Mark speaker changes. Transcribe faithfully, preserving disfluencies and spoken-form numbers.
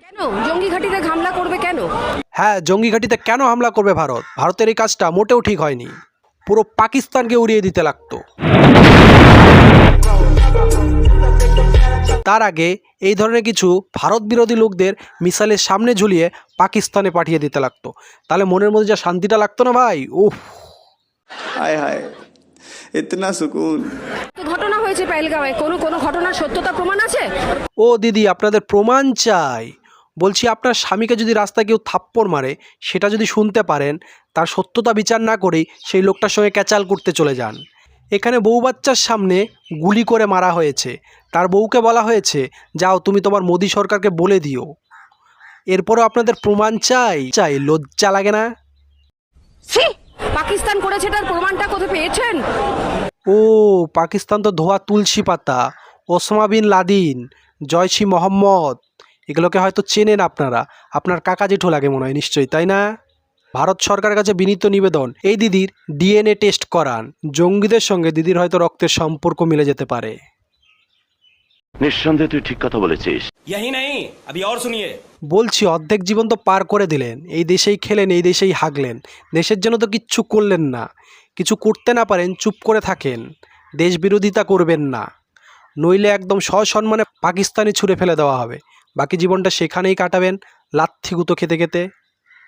Speaker 1: কেন জঙ্গি ঘাঁটিতে হামলা করবে কেন?
Speaker 2: হ্যাঁ, জঙ্গি ঘাঁটিতে কেন হামলা করবে ভারত? ভারতের এই কাজটা মোটেও ঠিক হয়নি। পুরো পাকিস্তানকে উড়িয়ে দিতে লাগতো। তার আগে এই ধরনের কিছু ভারত বিরোধী লোকদের মিসাইলের সামনে ঝুলিয়ে পাকিস্তানে পাঠিয়ে দিতে লাগতো। তাহলে মনের মধ্যে যা শান্তিটা লাগতো না ভাই, উফ।
Speaker 3: हाय हाय इतना सुकून।
Speaker 1: তো ঘটনা হয়েছে পেহেলগাঁওয়ে, কোনো কোনো ঘটনার সত্যতা প্রমাণ আছে?
Speaker 2: ও দিদি, আপনাদের প্রমাণ চাই। বলছি, আপনার স্বামীকে যদি রাস্তায় কেউ থাপ্পড় মারে, সেটা যদি শুনতে পারেন, তার সত্যতা বিচার না করেই সেই লোকটার সঙ্গে ক্যাচাল করতে চলে যান। এখানে বউ বাচ্চার সামনে গুলি করে মারা হয়েছে। তার বউকে বলা হয়েছে, যাও তুমি তোমার মোদি সরকারকে বলে দিও। এরপরও আপনাদের প্রমাণ চাই চাই লজ্জা লাগে না?
Speaker 1: ছি! পাকিস্তান করেছে, তার প্রমাণটা কোথায় পেয়েছেন?
Speaker 2: ও, পাকিস্তান তো ধোয়া তুলসী পাতা, Osama bin Laden, Jaish Mohammad, এগুলোকে হয়তো চেনেন আপনারা। আপনার কাকা জেঠু লাগে মনে হয় নিশ্চয়ই, তাই না? ভারত সরকারের কাছে বিনীত নিবেদন, এই দিদির ডিএনএ টেস্ট করান। জঙ্গিদের সঙ্গে দিদির হয়তো রক্তের সম্পর্ক মিলে যেতে পারে।
Speaker 4: নিঃসন্দেহে তুই ঠিক কথা বলেছিস।
Speaker 5: यही नहीं, अभी और सुनिए।
Speaker 2: বলছি, অর্ধেক জীবন তো পার করে দিলেন, এই দেশেই খেলেন, এই দেশেই হাগলেন, দেশের জন্য তো কিচ্ছু করলেন না। কিছু করতে না পারেন চুপ করে থাকেন, দেশ বিরোধিতা করবেন না, নইলে একদম সসম্মানে পাকিস্তানি ছুঁড়ে ফেলে দেওয়া হবে। বাকি জীবনটা সেখানেই কাটাবেন লাথি গুঁতো খেতে খেতে।